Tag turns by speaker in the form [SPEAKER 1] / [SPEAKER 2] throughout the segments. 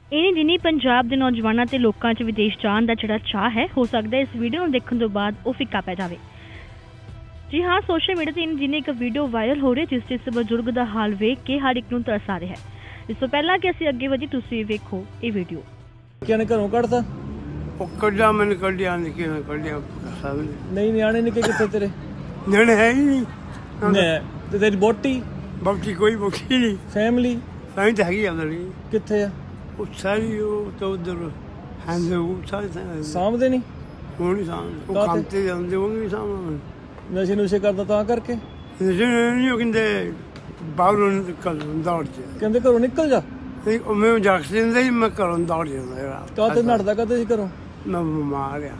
[SPEAKER 1] इन्हीं दिनी पंजाब के नौजवानों ते लोकां च विदेश जाण दा जिहड़ा चाह है, हो सकता है इस वीडियो नूं देखण तो बाद वो फिक्का पै जावे। जी हाँ, सोशल मीडिया ते इन्हीं दिनी एक वीडियो वायरल हो रही जिस इस बजुर्ग दा हाल वेख के हर एक नूं तरस आ रहा है। इस तो पहला कि असीं अगे वधी तुसीं वेखो ये वीडियो।
[SPEAKER 2] क्या ने घरों कढ़दा
[SPEAKER 3] ਉਹ ਕੱਢਿਆ ਮੈਨੂੰ ਕੱਢਿਆ ਨਿੱਕੇ ਨੇ ਕੱਢਿਆ ਸਭ ਨੇ
[SPEAKER 2] नहीं ਨਿਆਣੇ ਨਿੱਕੇ ਕਿੱਥੇ ਤੇਰੇ
[SPEAKER 3] ਨਿਆਣੇ ਹੈ ਹੀ ਨਹੀਂ
[SPEAKER 2] ਨੇ ਤੇ ਤੇਰੀ ਬੋਟੀ
[SPEAKER 3] ਬਾਕੀ ਕੋਈ ਬੋਕੀ ਨਹੀਂ
[SPEAKER 2] ਫੈਮਿਲੀ
[SPEAKER 3] ਸਾਈਂ ਤਾਂ ਹੈਗੀ ਆਉਂਦੀ
[SPEAKER 2] ਕਿੱਥੇ ਆ
[SPEAKER 3] ਉਹ ਸਾਰੀ ਉਹ ਤਾਂ ਉਧਰ ਹੈਂਦੇ ਉਹ ਸਾਰੇ
[SPEAKER 2] ਸਾਂਭਦੇ ਨਹੀਂ
[SPEAKER 3] ਉਹ ਨਹੀਂ ਸਾਂਭ ਉਹ ਕੰਮ ਤੇ ਜਾਂਦੇ ਉਹ ਨਹੀਂ ਸਾਂਭ
[SPEAKER 2] ਨਸ਼ੇ ਨੁਸ਼ੇ ਕਰਦਾ ਤਾਂ ਕਰਕੇ
[SPEAKER 3] ਨਹੀਂ ਉਹ ਕਹਿੰਦੇ ਬਾਹਰੋਂ ਨਿਕਲ ਦੌੜ ਜਾ
[SPEAKER 2] ਕਹਿੰਦੇ ਘਰੋਂ ਨਿਕਲ ਜਾ
[SPEAKER 3] ਨਹੀਂ ਉਹ ਮੈਂ ਜਾ ਕੇ ਦਿੰਦਾ ਹੀ ਮੈਂ ਘਰੋਂ ਦੌੜ ਜਾਂਦਾ ਯਾਰ
[SPEAKER 2] ਕਾਹਤੇ ਨੱਠਦਾ ਕਾਹਤੇ ਸੀ ਘਰੋਂ
[SPEAKER 3] ਮੈਂ ਬਿਮਾਰ ਆ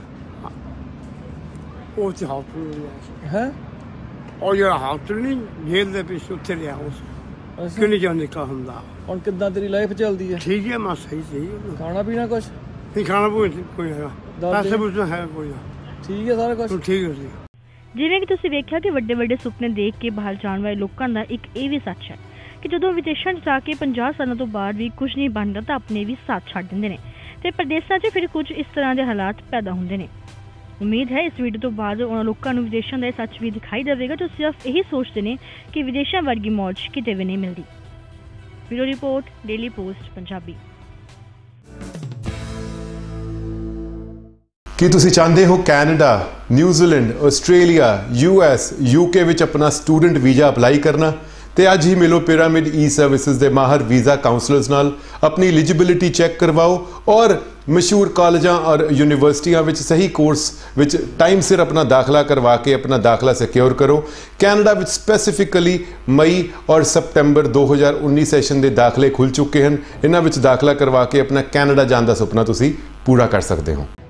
[SPEAKER 3] ਉਹ ਤੇ ਹਸਪਤਾਲ
[SPEAKER 2] ਹੈ
[SPEAKER 3] ਉਹ ਜਿਹੜਾ ਹਸਪਤਾਲ ਨਹੀਂ ਜੇਲ੍ਹ ਦੇ ਪਿੱਛੇ ਉੱਥੇ ਰਿਹਾ ਉਸ ਕਿੰਨੀ ਜਾਂ ਨਿਕਲ ਹੁੰਦਾ
[SPEAKER 2] ਹੁਣ ਕਿੱਦਾਂ ਤੇਰੀ ਲਾਈਫ ਚੱਲਦੀ ਹੈ
[SPEAKER 3] ਠੀਕ ਹੈ ਮੈਂ ਸਹੀ
[SPEAKER 2] ਖਾਣਾ ਪੀਣਾ ਕੁਛ
[SPEAKER 3] ਨਹੀਂ ਖਾਣਾ ਕੋਈ ਹੈਗਾ ਪੈਸੇ ਪੂਸੇ ਹੈ ਕੋਈ
[SPEAKER 2] ਠੀਕ ਹੈ ਸਾਰਾ ਕੁਛ
[SPEAKER 3] ਠੀਕ ਹੈ ਜੀ।
[SPEAKER 1] ਜਿਵੇਂ ਕਿ ਤੁਸੀਂ ਵੇਖਿਆ ਕਿ ਵੱਡੇ ਵੱਡੇ ਸੁਪਨੇ ਦੇਖ ਕੇ ਬਾਹਰ ਜਾਣ ਵਾਲੇ ਲੋਕਾਂ ਦਾ ਇੱਕ ਇਹ ਵੀ ਸੱਚ ਹੈ ਕਿ ਜਦੋਂ ਵਿਦੇਸ਼ਾਂ 'ਚ ਜਾ ਕੇ 50 ਸਾਲਾਂ ਤੋਂ ਬਾਅਦ ਵੀ ਕੁਝ ਨਹੀਂ ਬਣਦਾ ਤਾਂ ਆਪਣੇ ਵੀ ਸਾਥ ਛੱਡ ਦਿੰਦੇ ਨੇ ਤੇ ਪ੍ਰਦੇਸ਼ਾਂ 'ਚ ਫਿਰ ਕੁਝ ਇਸ ਤਰ੍ਹਾਂ ਦੇ ਹਾਲਾਤ ਪੈਦਾ ਹੁੰਦੇ ਨੇ। ਉਮੀਦ ਹੈ ਇਸ ਵੀਡੀਓ ਤੋਂ ਬਾਅਦ ਉਹਨਾਂ ਲੋਕਾਂ ਨੂੰ ਵਿਦੇਸ਼ਾਂ ਦਾ ਸੱਚ ਵੀ ਦਿਖਾਈ ਦੇਵੇਗਾ ਜੋ ਸਿਰਫ ਇਹੀ ਸੋਚਦੇ ਨੇ ਕਿ ਵਿਦੇਸ਼ਾਂ ਵਰਗੀ ਮੌਜ ਕਿਤੇ ਵੀ ਨਹੀਂ ਮਿਲਦੀ। Bureau report, daily post Punjabi.
[SPEAKER 4] ਕੀ ਤੁਸੀਂ ਚਾਹੁੰਦੇ ਹੋ Canada, New Zealand, Australia, US, UK ਵਿੱਚ ਆਪਣਾ ਸਟੂਡੈਂਟ ਵੀਜ਼ਾ ਅਪਲਾਈ ਕਰਨਾ? ਤੇ ਅੱਜ ਹੀ ਮਿਲੋ ਪਿਰਾਮਿਡ ਈ ਸਰਵਿਸਿਜ਼ ਦੇ ਮਾਹਰ ਵੀਜ਼ਾ ਕਾਉਂਸਲਰਸ ਨਾਲ, ਆਪਣੀ ਐਲੀਜੀਬਿਲਿਟੀ ਚੈੱਕ ਕਰਵਾਓ ਔਰ ਮਸ਼ਹੂਰ ਕਾਲਜਾਂ ਔਰ ਯੂਨੀਵਰਸਿਟੀਆਂ ਵਿੱਚ ਸਹੀ ਕੋਰਸ ਵਿੱਚ ਟਾਈਮ ਸਿਰ ਆਪਣਾ ਦਾਖਲਾ ਕਰਵਾ ਕੇ ਆਪਣਾ ਦਾਖਲਾ ਸਿਕਿਉਰ ਕਰੋ। ਕੈਨੇਡਾ ਵਿੱਚ ਸਪੈਸੀਫਿਕਲੀ ਮਈ ਔਰ ਸਤੰਬਰ 2019 ਸੈਸ਼ਨ ਦੇ ਦਾਖਲੇ ਖੁੱਲ ਚੁੱਕੇ ਹਨ। ਇਹਨਾਂ ਵਿੱਚ ਦਾਖਲਾ ਕਰਵਾ ਕੇ ਆਪਣਾ ਕੈਨੇਡਾ ਜਾਣ ਦਾ ਸੁਪਨਾ ਤੁਸੀਂ ਪੂਰਾ ਕਰ ਸਕਦੇ ਹੋ।